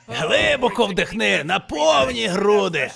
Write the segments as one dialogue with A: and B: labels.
A: Глибоко вдихни на повні груди.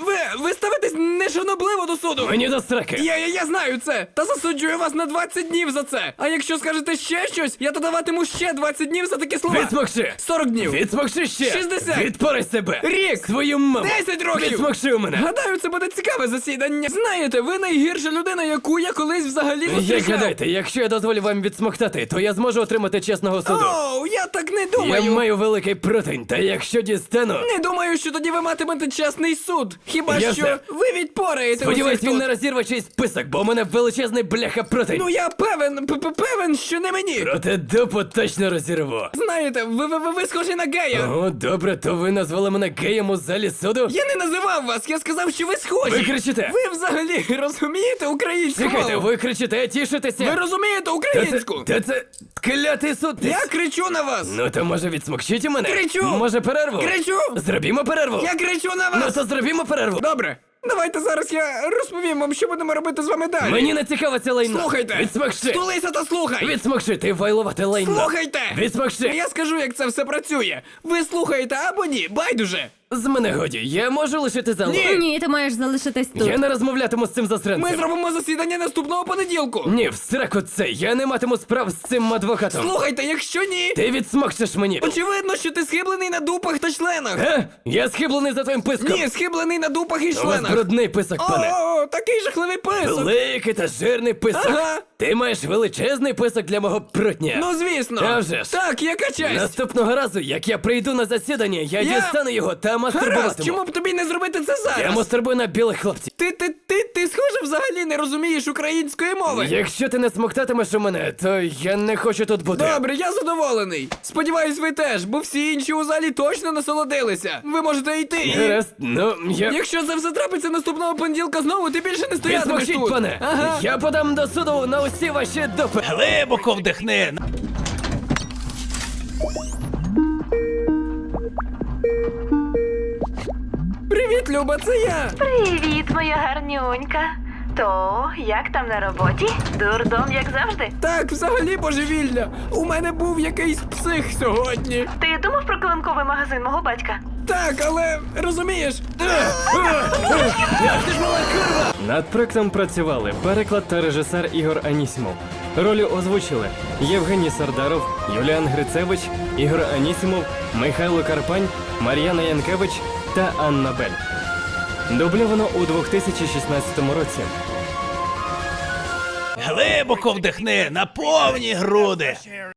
B: Ви ставитесь нешанобливо до суду.
C: Мені до сраки.
B: Я знаю це. Та засуджую вас на 20 днів за це. А якщо скажете ще щось, я то даватиму ще 20 днів за такі слова.
C: Відсмокши.
B: 40 днів.
C: Відсмокши ще.
B: 60.
C: Відпори себе.
B: Рік.
C: Свою маму.
B: 10 років.
C: Відсмокши у мене.
B: Гадаю, це буде цікаве засідання. Знаєте, ви найгірша людина, яку я колись взагалі
C: Як
B: зустрічав.
C: гадайте, якщо я дозволю вам відсмоктати, то я зможу отримати чесного суду.
B: Оу, я так не
C: Я
B: думаю.
C: маю великий противень, та якщо дістану...
B: Не думаю, що тоді ви матимете чесний суд. Хіба
C: Я
B: що
C: все.
B: ви відпораєте
C: Сподіваюсь,
B: усіх
C: він
B: тут.
C: не розірве чийсь список, бо у мене величезний бляха противень.
B: Ну я певен, що не мені.
C: Проте дупу точно розірву.
B: Знаєте, ви схожі на гея.
C: О, добре, то ви назвали мене геєм у залі суду?
B: Я не називав вас, я сказав, що ви схожі.
C: Ви кричите.
B: Ви взагалі розумієте українську
C: Чекайте,
B: мову?
C: ви кричите, тішитеся?
B: Ви розумієте
C: Та
B: українську?
C: це клятий суд.
B: Я кричу на вас.
C: Ну то може відсмокчіть у мене?
B: Кричу.
C: Може перерву?
B: Кричу.
C: Зробімо перерву?
B: Я кричу на
C: Ну
B: вас.
C: то зробімо перерву.
B: Добре. Давайте зараз я розповім вам, що будемо робити з вами далі.
C: Мені не цікаво це лайно.
B: Слухайте.
C: Відсмокши.
B: Стулися та слухай.
C: Відсмокши, ти вайлувати лайно.
B: Слухайте.
C: Відсмокши.
B: Я скажу, як це все працює. Ви слухаєте або ні, байдуже.
C: З мене годі, я можу лишити залу?
B: Ні.
D: Ні, ти маєш залишитись тут.
C: Я не розмовлятиму з цим засранцем.
B: Ми зробимо засідання наступного понеділку.
C: Ні, в сраку це, я не матиму справ з цим адвокатом.
B: Слухайте, якщо ні,
C: Ти відсмокшиш мені.
B: очевидно, що ти схиблений на дупах та членах.
C: Я схиблений за твоїм писком.
B: Ні, схиблений на дупах і
C: У вас
B: членах.
C: брудний писок, пане.
B: О, такий жахливий писок.
C: Великий та жирний писок.
B: Ага.
C: Ти маєш величезний писок для мого прутня.
B: Ну, звісно.
C: А вже ж.
B: Так, яка честь.
C: Наступного разу, як я прийду на засідання, я
B: Я-
C: дістану його та
B: Гаразд,
C: мастурбуватиму.
B: чому б тобі не зробити це зараз?
C: Я мастурбую на білих хлопців.
B: Ти схоже взагалі не розумієш української мови.
C: Якщо ти не смоктатимеш у мене, то я не хочу тут бути.
B: Добре, я задоволений. Сподіваюсь, ви теж, бо всі інші у залі точно насолодилися. Ви можете йти. і-
C: Гаразд, ну я...
B: Якщо це все трапиться наступного понеділка знову, ти більше не стоятимеш
C: Відсмокчіть,
B: тут.
C: пане!
B: Ага.
C: Я подам до суду на усі ваші допити.
A: Глибоко вдихни.
B: Привіт, Люба, це я.
E: Привіт, моя гарнюнька. То, як там на роботі? Дурдом, як завжди.
B: Так, взагалі божевілля. У мене був якийсь псих сьогодні.
E: Ти думав про килимковий магазин мого батька?
B: Так, але розумієш.
F: Над проектом працювали переклад та режисер Ігор Анісімов. Ролі озвучили Євгеній Сардаров, Юліан Грицевич, Ігор Анісімов, Михайло Карпань, Мар'яна Янкевич та Анна Бель. Дубльовано у 2016 році.
A: Глибоко вдихни на повні груди.